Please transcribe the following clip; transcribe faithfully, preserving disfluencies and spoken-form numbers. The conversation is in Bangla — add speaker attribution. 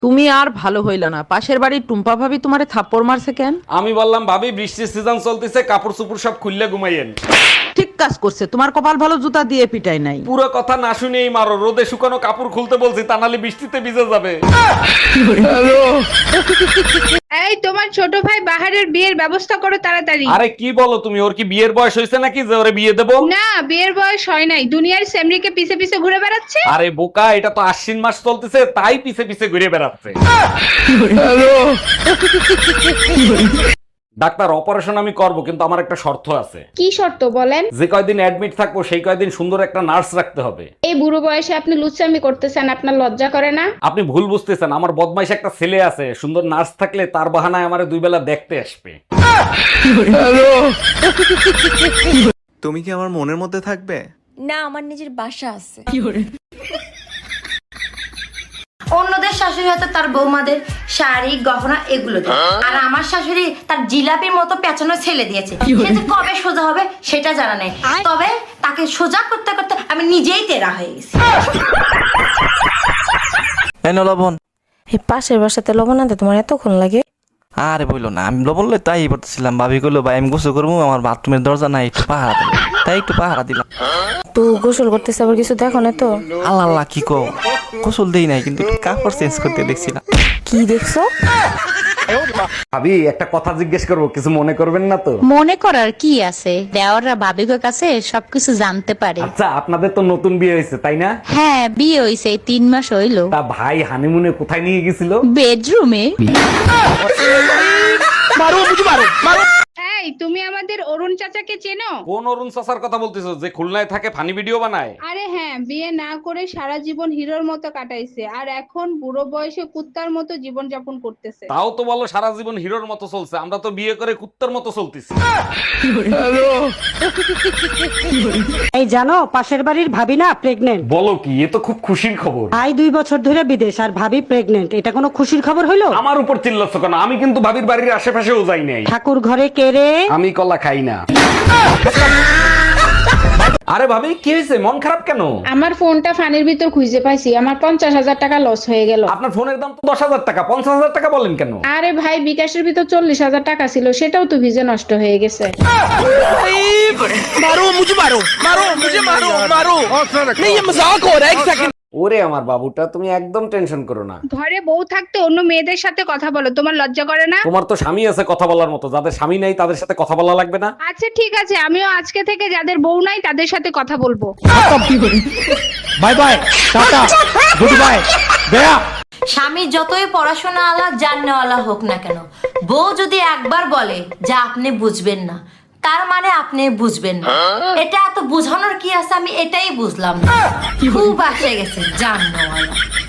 Speaker 1: তুমি আর ভালো হইলা না, পাশের বাড়ির টুম্পা ভাবি তোমারে থাপ্পড় মারছে কেন?
Speaker 2: আমি বললাম ভাবি বৃষ্টির সিজন চলতেছে, কাপড় চোপড় সব খুললে ঘুমাইয়েন।
Speaker 1: ঠিক কাজ করছে, তোমার কপাল ভালো জুতা দিয়ে পিটাই নাই।
Speaker 2: পুরো কথা না শুনেই মারো, রোদে শুকানো কাপড় খুলতে বলছি, তা নাহলে বৃষ্টিতে ভিজে যাবে।
Speaker 3: এই তোমার ছোট ভাই বাহারের বিয়ের ব্যবস্থা করো তাড়াতাড়ি।
Speaker 2: আরে কি বলো তুমি, ওর কি বিয়ের বয়স হয়েছে নাকি যে ওরে বিয়ে দেবো?
Speaker 3: না, বিয়ের বয়স হয় নাই, দুনিয়ার সেমরিকে পিছে পিছে ঘুরে বেড়াচ্ছে।
Speaker 2: আরে বোকা, এটা তো আশ্বিন মাস চলতেছে, তাই পিছে পিছে ঘুরে বেড়াচ্ছে। ডাক্তার, অপারেশন আমি করব, কিন্তু আমার একটা শর্ত আছে।
Speaker 3: কি শর্ত বলেন?
Speaker 2: যে কয়দিন অ্যাডমিট থাকবো সেই কয়দিন সুন্দর একটা নার্স রাখতে হবে।
Speaker 3: এই বুড়ো বয়সে আপনি লুচ্চামি করতেছেন, আপনার লজ্জা করে না?
Speaker 2: আপনি ভুল বুঝতেছেন, আমার বদমাইশ একটা ছেলে আছে, সুন্দর নার্স থাকলে তার বাহানায় আমারে দুই বেলা দেখতে আসবে।
Speaker 4: তুমি কি আমার মনের মধ্যে থাকবে?
Speaker 5: না, আমার নিজের বাসা আছে।
Speaker 6: অন্যদের শাশুড়ি হয়তো তার বৌমাদের শাড়ি গহনা এগুলো দেয়, আর আমার শাশুড়ি তার জিলাপির মতো পেঁচানো ছেলে দিয়েছে। সে যে কবে সোজা হবে সেটা জানা নেই, তবে তাকে সোজা করতে করতে আমি নিজেই তেরা হয়ে গেছি।
Speaker 7: এনো লবণ।
Speaker 5: এই পাশের বাসাতে লবণ আনতে তোমার এতক্ষণ লাগে?
Speaker 7: আরে বললো না, আমি লবণ লই তাই বলতেছিলাম। ভাবি কইলো ভাই আমি গোসল করবো, আমার বাথরুমের দরজা নাই, একটু পাহারা দিলাম, তাই একটু পাহারা দিলাম।
Speaker 5: তো গোসল করতেছে আবার কিছু দেখো না তো?
Speaker 7: আল্লাহ আল্লাহ কি কও, গোসল দেই নাই, কিন্তু একটু কাপড় চেঞ্জ করতে দেখছিলাম।
Speaker 5: কি দেখছো?
Speaker 2: ভাবি একটা কথা জিজ্ঞেস করবো, কিছু মনে করবেন না তো?
Speaker 8: মনে করার কি আছে, দেওয়াররা ভাবিকের কাছে সবকিছু জানতে পারে।
Speaker 2: আচ্ছা, আপনাদের তো নতুন বিয়ে হয়েছে তাই না?
Speaker 8: হ্যাঁ, বিয়ে হইছে, এই তিন মাস হইলো।
Speaker 2: তা ভাই হানিমুনে কোথায় নিয়ে গেছিল?
Speaker 8: বেডরুমে।
Speaker 3: এই তুমি আমাদের অরুণ চাচাকে চেনো?
Speaker 2: কোন অরুণ চাচার কথা বলতেছো, যে খুলনায় থাকে ফানি ভিডিও বানায়?
Speaker 3: আরে হ্যাঁ, বিয়ে না করে সারা জীবন হিরোর মতো কাটাইছে, আর এখন বুড়ো বয়সে কুত্তার মতো জীবন যাপন করতেছে।
Speaker 2: তাও তো বলো সারা জীবন হিরোর মতো চলছে, আমরা তো বিয়ে করে কুত্তার মতো চলতেছি।
Speaker 9: এই জানো, পাশের বাড়ির ভাবি না প্রেগনেন্ট।
Speaker 2: বলো কি, এ তো খুব খুশির খবর।
Speaker 9: ভাই দুই বছর ধরে বিদেশ আর ভাবি প্রেগনেন্ট, এটা কোনো খুশির খবর হইলো?
Speaker 2: আমার উপর চিল্লাচ্ছ কেন? আমি কিন্তু ভাবির বাড়ির আশেপাশেও যাই নাই।
Speaker 9: ঠাকুর ঘরে কে রে?
Speaker 2: আমি কলা খাই না। আরে ভাবি কি হয়েছে, মন খারাপ কেন?
Speaker 3: আমার ফোনটা ফানির ভিতর খুঁজে পাইছি, আমার পঞ্চাশ হাজার টাকা লস হয়ে গেল।
Speaker 2: আপনার ফোনের দাম তো দশ হাজার টাকা, পঞ্চাশ হাজার টাকা বলেন কেন?
Speaker 3: আরে ভাই, বিকাশের ভিতর চল্লিশ হাজার টাকা ছিল, সেটাও তো ভিজে নষ্ট হয়ে গেছে।
Speaker 2: ওরে আমার বাবুটা, তুমি একদম টেনশন করো না।
Speaker 3: ঘরে বউ থাকতে অন্য মেয়েদের সাথে কথা বলো, তোমার লজ্জা করে না?
Speaker 2: তোমার তো স্বামী আছে কথা বলার মতো, যাদের স্বামী নাই তাদের সাথে কথা বলা লাগবে না?
Speaker 3: আচ্ছা ঠিক আছে, আমিও আজকে থেকে যাদের বউ নাই তাদের সাথে কথা বলবো।
Speaker 2: Bye bye, tata, goodbye, গয়া।
Speaker 6: স্বামী যতই পড়াশোনা আলা জাননেওয়ালা হোক না কেন, বউ যদি একবার বলে যে আপনি বুঝবেন না, তার মানে আপনি বুঝবেন না। এটা এত বুঝানোর কি আছে, আমি এটাই বুঝলাম না। খুব আসে গেছে জাননেওয়ালা।